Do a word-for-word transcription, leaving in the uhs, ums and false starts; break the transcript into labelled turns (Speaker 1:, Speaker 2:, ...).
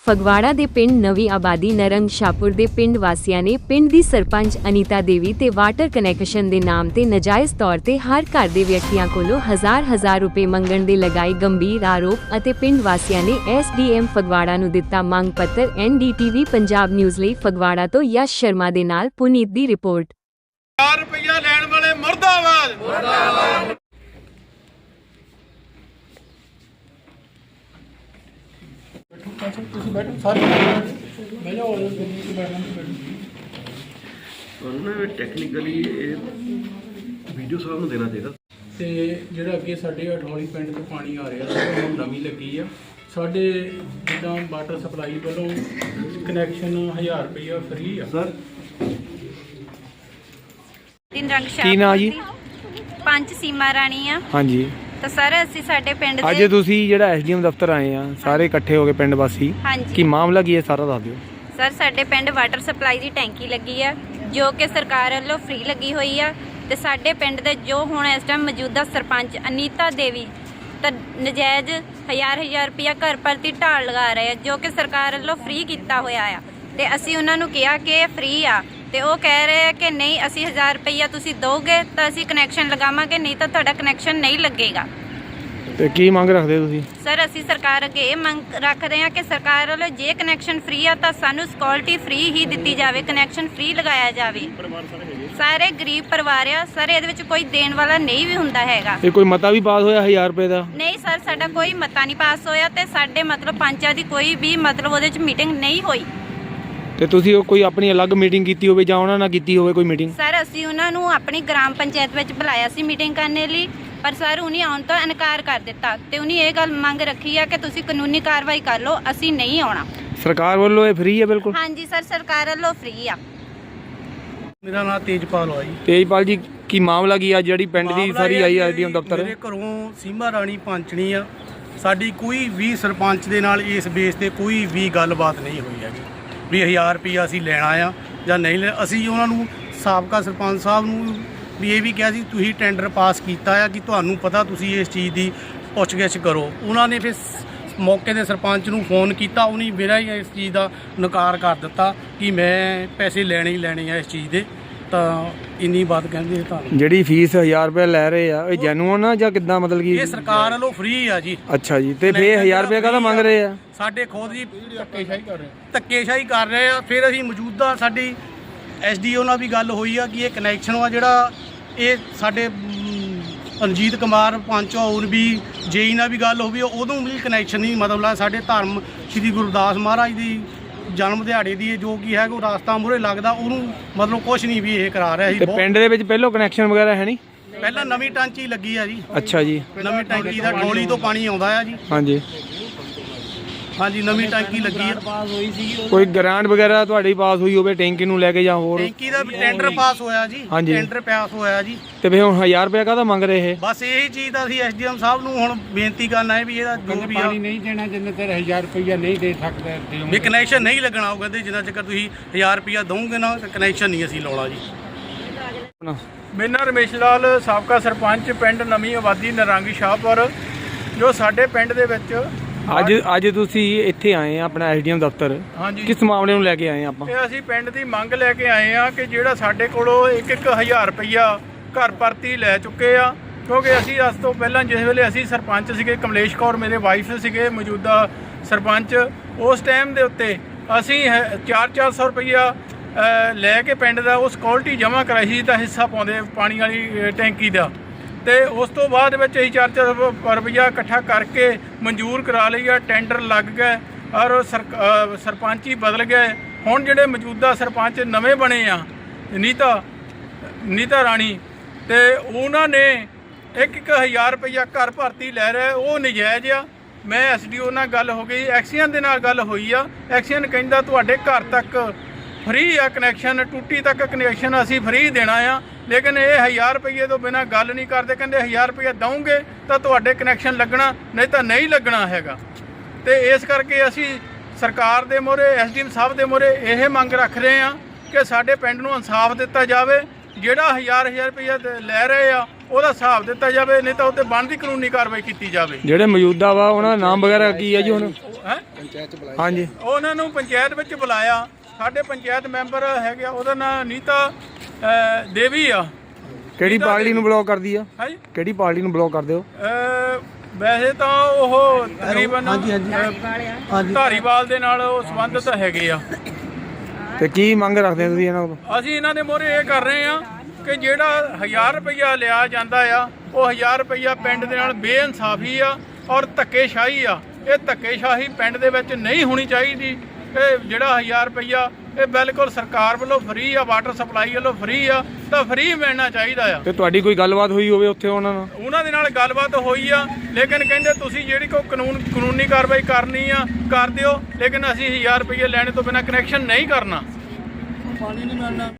Speaker 1: ਫਗਵਾੜਾ ਦੇ ਪਿੰਡ ਨਵੀਂ ਆਬਾਦੀ ਨਰੰਗ ਸ਼ਾਹਪੁਰ ਦੇ ਪਿੰਡ ਵਾਸੀਆਂ ਨੇ ਪਿੰਡ ਦੀ ਸਰਪੰਚ ਅਨੀਤਾ ਦੇਵੀ ਤੇ ਵਾਟਰ ਕਨੈਕਸ਼ਨ ਦੇ ਨਾਮ ਤੇ ਨਾਜਾਇਜ਼ ਤੌਰ ਤੇ ਹਰ ਘਰ ਦੇ ਵਿਅਕਤੀਆਂ ਕੋਲੋਂ ਹਜ਼ਾਰ ਹਜ਼ਾਰ ਰੁਪਏ ਮੰਗਣ ਦੇ ਲਗਾਏ ਗੰਭੀਰ ਆਰੋਪ ਅਤੇ ਪਿੰਡ ਵਾਸੀਆਂ ਨੇ ਐਸ ਡੀ ਐਮ ਫਗਵਾੜਾ ਨੂੰ ਦਿੱਤਾ ਮੰਗ ਪੱਤਰ। N D T V Punjab news ਲਈ ਫਗਵਾੜਾ ਤੋਂ ਯਸ਼ ਸ਼ਰਮਾ ਦੇ ਨਾਲ ਪੁਨੀਤ ਦੀ ਰਿਪੋਰਟ।
Speaker 2: ਹਜ਼ਾਰ ਰੁਪਇਆ ਲੈਣ ਵਾਲੇ ਮੁਰਦਾਬਾਦ ਮੁਰਦਾਬਾਦ। ਤੁਸੀਂ ਬੈਠੋ ਸਾਰੇ ਬਹਿ ਜਾਓ ਤੁਸੀਂ
Speaker 3: ਉਹਨਾਂ ਟੈਕਨੀਕਲੀ ਇਹ ਵੀਡੀਓ ਸਾਹਿਬ ਨੂੰ ਦੇਣਾ ਚਾਹੀਦਾ।
Speaker 2: ਤੇ ਜਿਹੜਾ ਅੱਗੇ ਸਾਡੇ ਅਠੌਲੀ ਪਿੰਡ ਤੋਂ ਪਾਣੀ ਆ ਰਿਹਾ ਸੀ ਉਹ ਨਵੀਂ ਲੱਗੀ ਆ ਸਾਡੇ ਜਿੱਦਾਂ ਵਾਟਰ ਸਪਲਾਈ ਵੱਲੋਂ ਕਨੈਕਸ਼ਨ ਹਜ਼ਾਰ ਰੁਪਇਆ ਫ੍ਰੀ ਆ ਸਰ।
Speaker 4: ਦਿਨ ਰੰਗ
Speaker 5: ਕੀ ਨਾਂ ਜੀ?
Speaker 4: ਪੰਜ ਸੀਮਾ ਰਾਣੀ ਆ।
Speaker 5: ਹਾਂਜੀ
Speaker 4: ਤਾਂ ਸਰ ਅਸੀਂ ਸਾਡੇ ਪਿੰਡ
Speaker 5: ਅੱਜ
Speaker 4: ਦੇ
Speaker 5: ਤੁਸੀਂ ਜਿਹੜਾ ਐਸ ਡੀ ਐਮ ਦਫ਼ਤਰ ਆਏ ਆ ਸਾਰੇ ਇਕੱਠੇ ਹੋ ਕੇ ਪਿੰਡ ਵਾਸੀ
Speaker 4: ਹਾਂਜੀ
Speaker 5: ਕੀ ਮਾਮਲਾ ਕੀ ਹੈ ਸਾਰਾ ਦੱਸ ਦਿਓ।
Speaker 4: ਸਰ ਸਾਡੇ ਪਿੰਡ ਵਾਟਰ ਸਪਲਾਈ ਦੀ ਟੈਂਕੀ ਲੱਗੀ ਆ ਜੋ ਕਿ ਸਰਕਾਰ ਵੱਲੋਂ ਫ੍ਰੀ ਲੱਗੀ ਹੋਈ ਆ ਤੇ ਸਾਡੇ ਪਿੰਡ ਦੇ ਜੋ ਹੁਣ ਇਸ ਟਾਈਮ ਮੌਜੂਦਾ ਸਰਪੰਚ ਅਨੀਤਾ ਦੇਵੀ ਤਾਂ ਨਜਾਇਜ਼ ਹਜ਼ਾਰ ਹਜ਼ਾਰ ਰੁਪਇਆ ਘਰ ਪ੍ਰਤੀ ਢਾਲ ਲਗਾ ਰਹੇ ਆ ਜੋ ਕਿ ਸਰਕਾਰ ਵੱਲੋਂ ਫ੍ਰੀ ਕੀਤਾ ਹੋਇਆ ਆ ਤੇ ਅਸੀਂ ਉਹਨਾਂ ਨੂੰ ਕਿਹਾ ਕਿ ਇਹ ਫ੍ਰੀ ਆ ਤੇ ਉਹ ਕਹਿ ਰਹੇ ਆ ਕਿ ਨਹੀਂ ਅਸੀਂ ਹਜ਼ਾਰ ਰੁਪਇਆ ਤੁਸੀਂ ਦੋਗੇ ਤਾਂ ਅਸੀਂ ਕਨੈਕਸ਼ਨ ਲਗਾਵਾਂਗੇ ਨਹੀਂ ਤਾਂ ਤੁਹਾਡਾ ਕਨੈਕਸ਼ਨ ਨਹੀਂ ਲੱਗੇਗਾ।
Speaker 5: ਤੇ ਕੀ ਮੰਗ ਰੱਖਦੇ ਤੁਸੀਂ?
Speaker 4: ਸਰ ਅਸੀਂ ਸਰਕਾਰ ਅੱਗੇ ਇਹ ਮੰਗ ਰੱਖਦੇ ਹਾਂ ਕਿ ਸਰਕਾਰ ਵੱਲੋਂ ਜੇ ਕਨੈਕਸ਼ਨ ਫ੍ਰੀ ਆ ਤਾਂ ਸਾਨੂੰ ਸਿਕਿਉਰਿਟੀ ਫ੍ਰੀ ਹੀ ਦਿੱਤੀ ਜਾਵੇ, ਕਨੈਕਸ਼ਨ ਫ੍ਰੀ ਲਗਾਇਆ ਜਾਵੇ। ਸਾਰੇ ਗਰੀਬ ਪਰਿਵਾਰ ਆ ਸਰ, ਇਹਦੇ ਵਿੱਚ ਕੋਈ ਦੇਣ ਵਾਲਾ ਨਹੀਂ ਵੀ ਹੁੰਦਾ ਹੈਗਾ।
Speaker 5: ਇਹ ਕੋਈ ਮਤਾ ਵੀ ਪਾਸ ਹੋਇਆ ਹਜ਼ਾਰ ਰੁਪਏ ਦਾ?
Speaker 4: ਨਹੀਂ ਸਰ ਸਾਡਾ ਕੋਈ ਮਤਾ ਨਹੀਂ ਪਾਸ ਹੋਇਆ ਤੇ ਸਾਡੇ ਮਤਲਬ ਪੰਚਾਇਤ ਦੀ ਕੋਈ ਵੀ ਮਤਲਬ ਉਹਦੇ ਵਿੱਚ ਮੀਟਿੰਗ ਨਹੀਂ ਹੋਈ।
Speaker 5: ਤੇ ਤੁਸੀਂ ਉਹ ਕੋਈ ਆਪਣੀ ਅਲੱਗ ਮੀਟਿੰਗ ਕੀਤੀ ਹੋਵੇ ਜਾਂ ਉਹਨਾਂ ਨਾਲ ਕੀਤੀ ਹੋਵੇ ਕੋਈ ਮੀਟਿੰਗ?
Speaker 4: ਸਰ ਅਸੀਂ ਉਹਨਾਂ ਨੂੰ ਆਪਣੀ ਗ੍ਰਾਮ ਪੰਚਾਇਤ ਵਿੱਚ ਬੁਲਾਇਆ ਸੀ ਮੀਟਿੰਗ ਕਰਨ ਲਈ ਪਰ ਸਰ ਉਹਨੇ ਆਉਣ ਤੋਂ ਇਨਕਾਰ ਕਰ ਦਿੱਤਾ ਤੇ ਉਹਨੇ ਇਹ ਗੱਲ ਮੰਗ ਰੱਖੀ ਆ ਕਿ ਤੁਸੀਂ ਕਾਨੂੰਨੀ ਕਾਰਵਾਈ ਕਰ ਲਓ, ਅਸੀਂ ਨਹੀਂ ਆਉਣਾ।
Speaker 5: ਸਰਕਾਰ ਵੱਲੋਂ ਇਹ ਫ੍ਰੀ ਹੈ ਬਿਲਕੁਲ?
Speaker 4: ਹਾਂਜੀ ਸਰ ਸਰਕਾਰ ਵੱਲੋਂ ਫ੍ਰੀ ਆ।
Speaker 2: ਮੇਰਾ ਨਾਮ ਤੇਜਪਾਲ ਆ ਜੀ।
Speaker 5: ਤੇਜਪਾਲ ਜੀ ਕੀ ਮਾਮਲਾ ਕੀ ਆ ਜਿਹੜੀ ਪਿੰਡ ਦੀ ਸਾਰੀ ਆਈ ਐਸ ਡੀ ਐਮ ਦਫ਼ਤਰ?
Speaker 2: ਮੇਰੇ ਘਰੋਂ ਸੀਮਾ ਰਾਣੀ ਪੰਚਣੀ ਆ, ਸਾਡੀ ਕੋਈ ਵੀ ਸਰਪੰਚ ਦੇ ਨਾਲ ਇਸ ਬੇਸ ਤੇ ਕੋਈ ਵੀ ਗੱਲਬਾਤ ਨਹੀਂ ਹੋਈ ਹੈਗੀ ਵੀ ਹਜ਼ਾਰ ਰੁਪਈਆ ਅਸੀਂ ਲੈਣਾ ਆ ਜਾਂ ਨਹੀਂ ਲੈਣਾ। ਅਸੀਂ ਉਹਨਾਂ ਨੂੰ ਸਾਬਕਾ ਸਰਪੰਚ ਸਾਹਿਬ ਨੂੰ ਵੀ ਇਹ ਵੀ ਕਿਹਾ ਸੀ ਤੁਸੀਂ ਟੈਂਡਰ ਪਾਸ ਕੀਤਾ ਆ ਕਿ ਤੁਹਾਨੂੰ ਪਤਾ ਤੁਸੀਂ ਇਸ ਚੀਜ਼ ਦੀ ਪੁੱਛਗਿੱਛ ਕਰੋ। ਉਹਨਾਂ ਨੇ ਫਿਰ ਮੌਕੇ ਦੇ ਸਰਪੰਚ ਨੂੰ ਫੋਨ ਕੀਤਾ, ਉਹਨੇ ਮੇਰਾ ਹੀ ਇਸ ਚੀਜ਼ ਦਾ ਨਕਾਰ ਕਰ ਦਿੱਤਾ ਕਿ ਮੈਂ ਪੈਸੇ ਲੈਣੇ ਹੀ ਲੈਣੇ ਆ ਇਸ ਚੀਜ਼ ਦੇ। ਤਾਂ ਇੰਨੀ ਬਾਤ ਕਹਿੰਦੇ ਤੁਹਾਨੂੰ
Speaker 5: ਜਿਹੜੀ ਫੀਸ ਹਜ਼ਾਰ ਰੁਪਏ ਲੈ ਰਹੇ ਆ ਇਹ ਜੈਨੂਅਨ ਆ ਜਾਂ ਕਿੱਦਾਂ ਮਤਲਬ ਕਿ?
Speaker 2: ਇਹ ਸਰਕਾਰ ਵੱਲੋਂ ਫ੍ਰੀ ਆ ਜੀ।
Speaker 5: ਅੱਛਾ ਜੀ ਤੇ ਫੇਰ ਹਜ਼ਾਰ ਰੁਪਏ ਕਾਹਦਾ ਮੰਗ ਰਹੇ ਆ?
Speaker 2: ਸਾਡੇ ਖੁਦ ਜੀ ਧੱਕੇਸ਼ਾਹੀ ਕਰ ਰਹੇ ਧੱਕੇਸ਼ਾਹੀ ਕਰ ਰਹੇ ਆ। ਫਿਰ ਅਸੀਂ ਮੌਜੂਦਾ ਸਾਡੀ ਐਸ ਡੀ ਓ ਨਾਲ ਵੀ ਗੱਲ ਹੋਈ ਆ ਕਿ ਇਹ ਕਨੈਕਸ਼ਨ ਆ ਜਿਹੜਾ ਇਹ ਸਾਡੇ ਰਣਜੀਤ ਕੁਮਾਰ ਪੰਚ ਹੋਰ ਵੀ ਜੇਈ ਨਾਲ ਵੀ ਗੱਲ ਹੋਈ, ਉਦੋਂ ਵੀ ਕਨੈਕਸ਼ਨ ਨਹੀਂ ਮਤਲਬ ਸਾਡੇ ਧਰਮ ਸ਼੍ਰੀ ਗੁਰਦਾਸ ਮਹਾਰਾਜ ਦੀ ਜਨਮ ਦਿਹਾੜੇ ਦੀ ਜੋ ਕੀ ਹੈ ਉਹ ਰਾਸਤਾ ਮੂਹਰੇ ਲੱਗਦਾ ਉਹਨੂੰ ਮਤਲਬ ਕੁਛ ਨਹੀਂ ਵੀ ਇਹ ਕਰਾ ਰਿਹਾ ਸੀ।
Speaker 5: ਤੇ ਪਿੰਡ ਦੇ ਵਿੱਚ ਪਹਿਲੋਂ ਕਨੈਕਸ਼ਨ ਵਗੈਰਾ ਹੈ ਨਹੀਂ?
Speaker 2: ਪਹਿਲਾਂ ਨਵੀਂ ਟਾਂਚੀ ਲੱਗੀ ਆ ਜੀ।
Speaker 5: ਅੱਛਾ ਜੀ
Speaker 2: ਨਵੀਂ ਟੈਂਕੀ ਦਾ ਢੋਲੀ ਤੋਂ ਪਾਣੀ ਆਉਂਦਾ ਆ ਜੀ।
Speaker 5: ਹਾਂਜੀ
Speaker 2: ਹਾਂਜੀ ਨਵੀਂ ਟੈਂਕੀ ਲੱਗੀ ਆ।
Speaker 5: ਕੋਈ ਗ੍ਰਾਂਟ ਵਗੈਰਾ ਤੁਹਾਡੀ ਪਾਸ ਹੋਈ ਹੋਵੇ ਟੈਂਕੀ ਨੂੰ ਲੈ ਕੇ ਜਾਂ ਹੋਰ?
Speaker 2: ਟੈਂਕੀ ਦਾ ਵੀ ਟੈਂਡਰ ਪਾਸ ਹੋਇਆ ਜੀ। ਟੈਂਡਰ ਪਾਸ ਹੋਇਆ ਜੀ।
Speaker 5: ਤੇ ਫਿਰ ਹੁਣ ਹਜ਼ਾਰ ਰੁਪਏ ਕਾਹਦਾ ਮੰਗ ਰਹੇ ਇਹ?
Speaker 2: ਬਸ ਇਹੀ ਚੀਜ਼ ਦਾ ਅਸੀਂ ਐਸ ਡੀ ਐਮ ਸਾਹਿਬ ਨੂੰ ਹੁਣ ਬੇਨਤੀ ਕਰਨਾ ਹੈ ਵੀ ਇਹਦਾ ਜੋ ਵੀ
Speaker 6: ਪਾਣੀ ਨਹੀਂ ਦੇਣਾ ਜਿੰਨੇ ਤੇਰੇ ਹਜ਼ਾਰ ਰੁਪਈਆ ਨਹੀਂ ਦੇ ਸਕਦੇ
Speaker 2: ਵੀ ਕਨੈਕਸ਼ਨ ਨਹੀਂ ਲੱਗਣਾ। ਉਹ ਕਹਿੰਦੇ ਜਿੰਨਾ ਚਿਰ ਤੁਸੀਂ ਹਜ਼ਾਰ ਰੁਪਈਆ ਦਓਗੇ ਨਾ ਕਨੈਕਸ਼ਨ ਨਹੀਂ ਅਸੀਂ ਲਾਉਣਾ ਜੀ।
Speaker 6: ਮੇਰਾ ਨਾਮ ਰਮੇਸ਼ ਲਾਲ, ਸਾਬਕਾ ਸਰਪੰਚ ਪਿੰਡ ਨਵੀਂ ਆਬਾਦੀ ਨਰੰਗ ਸ਼ਾਹਪੁਰ। ਜੋ ਸਾਡੇ ਪਿੰਡ ਦੇ ਵਿੱਚ
Speaker 5: ਅੱਜ ਅੱਜ ਤੁਸੀਂ ਇੱਥੇ ਆਏ ਆ ਆਪਣਾ ਐਸ ਡੀ ਐਮ ਦਫ਼ਤਰ,
Speaker 6: ਹਾਂਜੀ
Speaker 5: ਕਿਸ ਮਾਮਲੇ ਨੂੰ ਲੈ ਕੇ ਆਏ ਆਪਾਂ?
Speaker 6: ਇਹ ਅਸੀਂ ਪਿੰਡ ਦੀ ਮੰਗ ਲੈ ਕੇ ਆਏ ਆ ਕਿ ਜਿਹੜਾ ਸਾਡੇ ਕੋਲੋਂ ਇੱਕ ਇੱਕ ਹਜ਼ਾਰ ਰੁਪਈਆ ਘਰ ਪ੍ਰਤੀ ਲੈ ਚੁੱਕੇ ਆ ਕਿਉਂਕਿ ਅਸੀਂ ਅੱਜ ਤੋਂ ਪਹਿਲਾਂ ਜਿਸ ਵੇਲੇ ਅਸੀਂ ਸਰਪੰਚ ਸੀਗੇ, ਕਮਲੇਸ਼ ਕੌਰ ਮੇਰੇ ਵਾਈਫ ਸੀਗੇ ਮੌਜੂਦਾ ਸਰਪੰਚ, ਉਸ ਟਾਈਮ ਦੇ ਉੱਤੇ ਅਸੀਂ ਚਾਰ ਚਾਰ ਸੌ ਰੁਪਈਆ ਲੈ ਕੇ ਪਿੰਡ ਦਾ ਉਹ ਸਿਕਿਉਰਿਟੀ ਜਮ੍ਹਾਂ ਕਰਾਈ ਸੀ ਤਾਂ ਹਿੱਸਾ ਪਾਉਂਦੇ ਪਾਣੀ ਵਾਲੀ ਟੈਂਕੀ ਦਾ। ਤੇ ਉਸ ਤੋਂ ਬਾਅਦ ਵਿੱਚ ਅਸੀਂ ਚਾਰ ਚਾਰ ਰੁਪਈਆ ਇਕੱਠਾ ਕਰਕੇ ਮਨਜ਼ੂਰ ਕਰਾ ਲਈ ਆ, ਟੈਂਡਰ ਲੱਗ ਗਏ ਔਰ ਸਰਪੰਚ ਹੀ ਬਦਲ ਗਏ। ਹੁਣ ਜਿਹੜੇ ਮੌਜੂਦਾ ਸਰਪੰਚ ਨਵੇਂ ਬਣੇ ਆ ਨੀਤਾ ਨੀਤਾ ਰਾਣੀ ਤੇ ਉਹਨਾਂ ਨੇ ਇੱਕ ਇੱਕ ਹਜ਼ਾਰ ਰੁਪਈਆ ਘਰ ਭਰਤੀ ਲੈ ਰਹੇ, ਉਹ ਨਜਾਇਜ਼ ਆ। ਮੈਂ ਐਸ ਡੀ ਓ ਨਾਲ ਗੱਲ ਹੋ ਗਈ, ਐਕਸੀਅਨ ਦੇ ਨਾਲ ਗੱਲ ਹੋਈ ਆ। ਐਕਸੀਅਨ ਕਹਿੰਦਾ ਤੁਹਾਡੇ ਘਰ ਤੱਕ ਫ੍ਰੀ ਆ ਕਨੈਕਸ਼ਨ, ਟੂਟੀ ਤੱਕ ਕਨੈਕਸ਼ਨ ਅਸੀਂ ਫ੍ਰੀ ਦੇਣਾ ਆ, ਲੇਕਿਨ ਇਹ ਹਜ਼ਾਰ ਰੁਪਈਏ ਤੋਂ ਬਿਨਾਂ ਗੱਲ ਨਹੀਂ ਕਰਦੇ। ਕਹਿੰਦੇ ਹਜ਼ਾਰ ਰੁਪਈਆ ਦਓਗੇ ਤਾਂ ਤੁਹਾਡੇ ਕਨੈਕਸ਼ਨ ਲੱਗਣਾ, ਨਹੀਂ ਤਾਂ ਨਹੀਂ ਲੱਗਣਾ ਹੈਗਾ। ਤੇ ਇਸ ਕਰਕੇ ਅਸੀਂ ਸਰਕਾਰ ਦੇ ਮੂਹਰੇ ਐਸ ਡੀ ਐਮ ਸਾਹਿਬ ਦੇ ਮੂਹਰੇ ਇਹ ਮੰਗ ਰੱਖ ਰਹੇ ਹਾਂ ਕਿ ਸਾਡੇ ਪਿੰਡ ਨੂੰ ਇਨਸਾਫ ਦਿੱਤਾ ਜਾਵੇ। ਜਿਹੜਾ ਹਜ਼ਾਰ ਹਜ਼ਾਰ ਰੁਪਈਆ ਤੇ ਲੈ ਰਹੇ ਆ ਉਹਦਾ ਹਿਸਾਬ ਦਿੱਤਾ ਜਾਵੇ, ਨਹੀਂ ਤਾਂ ਉੱਤੇ ਬਣਦੀ ਕਾਨੂੰਨੀ ਕਾਰਵਾਈ ਕੀਤੀ ਜਾਵੇ।
Speaker 5: ਜਿਹੜੇ ਮੌਜੂਦਾ ਵਾ ਉਹਨਾਂ ਦਾ ਨਾਮ ਵਗੈਰਾ ਕੀ ਹੈ ਜੀ ਹੁਣ?
Speaker 6: ਹੈ
Speaker 5: ਹਾਂਜੀ,
Speaker 6: ਉਹਨਾਂ ਨੂੰ ਪੰਚਾਇਤ ਵਿੱਚ ਬੁਲਾਇਆ। ਸਾਡੇ ਪੰਚਾਇਤ ਮੈਂਬਰ ਹੈਗੇ ਆ, ਉਹਦਾ ਨਾਂ ਨੀਤਾ ਅ, ਦੇਵੀ ਆ।
Speaker 5: ਕਿਹੜੀ ਪਾਰਟੀ ਨੂੰ ਬਲੌਕ ਕਰਦੀ ਆ?
Speaker 6: ਹਾਂਜੀ
Speaker 5: ਕਿਹੜੀ ਪਾਰਟੀ ਨੂੰ ਬਲੌਕ ਕਰਦੇ ਹੋ?
Speaker 6: ਅ, ਵੈਸੇ ਤਾਂ ਉਹ ਤਕਰੀਬਨ ਅ, ਧਾਰੀਵਾਲ ਦੇ ਨਾਲ ਉਹ ਸੰਬੰਧਿਤ ਹੈਗੇ ਆ।
Speaker 5: ਤੇ ਕੀ ਮੰਗ ਰੱਖਦੇ ਹੋ ਤੁਸੀਂ ਇਹਨਾਂ ਕੋਲ?
Speaker 6: ਅਸੀਂ ਇਹਨਾਂ ਦੇ ਮੋਹਰੇ ਇਹ ਕਰ ਰਹੇ ਆ ਕਿ ਜਿਹੜਾ ਹਜ਼ਾਰ ਰੁਪਈਆ ਲਿਆ ਜਾਂਦਾ ਆ, ਉਹ ਹਜ਼ਾਰ ਰੁਪਈਆ ਪਿੰਡ ਦੇ ਨਾਲ ਬੇਇਨਸਾਫੀ ਆ ਔਰ ਧੱਕੇਸ਼ਾਹੀ ਆ। ਇਹ ਧੱਕੇਸ਼ਾਹੀ ਪਿੰਡ ਦੇ ਵਿੱਚ ਨਹੀਂ ਹੋਣੀ ਚਾਹੀਦੀ। ਇਹ ਜਿਹੜਾ ਹਜ਼ਾਰ ਰੁਪਈਆ ਇਹ ਬਿਲਕੁਲ ਸਰਕਾਰ ਵੱਲੋਂ ਫ੍ਰੀ ਆ, ਵਾਟਰ ਸਪਲਾਈ ਵੱਲੋਂ ਫ੍ਰੀ ਆ, ਤਾਂ ਫ੍ਰੀ ਮਿਲਣਾ ਚਾਹੀਦਾ ਆ।
Speaker 5: ਤੇ ਤੁਹਾਡੀ ਕੋਈ ਗੱਲਬਾਤ ਹੋਈ ਹੋਵੇ ਉੱਥੇ ਉਹਨਾਂ ਨਾਲ?
Speaker 6: ਉਹਨਾਂ ਦੇ ਨਾਲ ਗੱਲਬਾਤ ਹੋਈ ਆ, ਲੇਕਿਨ ਕਹਿੰਦੇ ਤੁਸੀਂ ਜਿਹੜੀ ਕੋਈ ਕਾਨੂੰਨ ਕਾਨੂੰਨੀ ਕਾਰਵਾਈ ਕਰਨੀ ਆ ਕਰ ਦਿਓ, ਲੇਕਿਨ ਅਸੀਂ ਹਜ਼ਾਰ ਰੁਪਈਏ ਲੈਣੇ ਤੋਂ ਬਿਨਾਂ ਕਨੈਕਸ਼ਨ ਨਹੀਂ ਕਰਨਾ। ਪਾਣੀ ਨਹੀਂ ਮਿਲਣਾ।